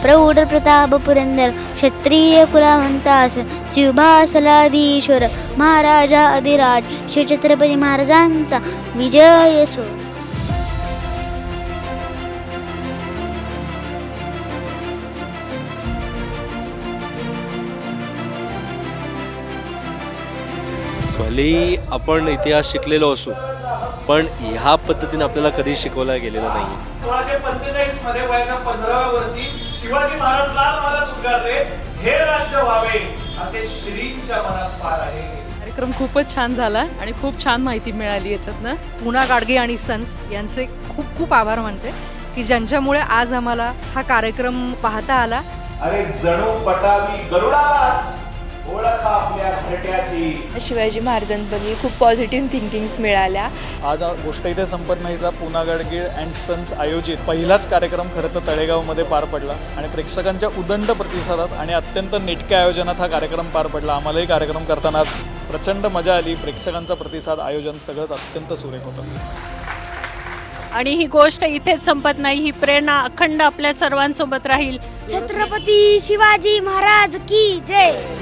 प्रौढ प्रताप पुरंदर क्षत्रिय कुलावंतास शिवभासलाधीश्वर महाराजा अधिराज शिवछत्रपती महाराजांचा विजय असो. भलेही आपण इतिहास शिकलेलो असू पण ह्या पद्धतीने आपल्याला कधी शिकवला गेलेला नाही. 1645 मध्ये वयाच्या 15व्या वर्षी शिवाजी महाराज लाल महाराज उद्गारले, हे राज्य व्हावे असे श्रींच्या मनात फार आहे. कार्यक्रम खूपच छान झाला आणि खूप छान माहिती मिळाली याच्यातनं. पुना गाडगे आणि सन्स यांचे खूप खूप आभार मानते की ज्यांच्यामुळे आज आम्हाला हा कार्यक्रम पाहता आला. अरे जणू पटावी गरुडाच ओळख आपल्या घरट्याची. शिवाजी महाराजांबद्दल खूप पॉझिटिव्ह थिंकिंग्स मिळाल्या. आज गोष्ट इथे संपत नाहीचा पुना गाडगे अँड सन्स आयोजित पहिलाच कार्यक्रम खरं तर तळेगावमध्ये पार पडला आणि प्रेक्षकांच्या उदंड प्रतिसादात आणि अत्यंत नेटक्या आयोजनात हा कार्यक्रम पार पडला. आम्हालाही कार्यक्रम करताना आज प्रचंड मजा आली. प्रेक्षकांचा प्रतिसाद, आयोजन सगळंच अत्यंत सुरेख होतं. आणि ही गोष्ट इथेच संपत नाही, ही प्रेरणा अखंड आपल्या सर्वांसोबत राहील. छत्रपती शिवाजी महाराज की जय.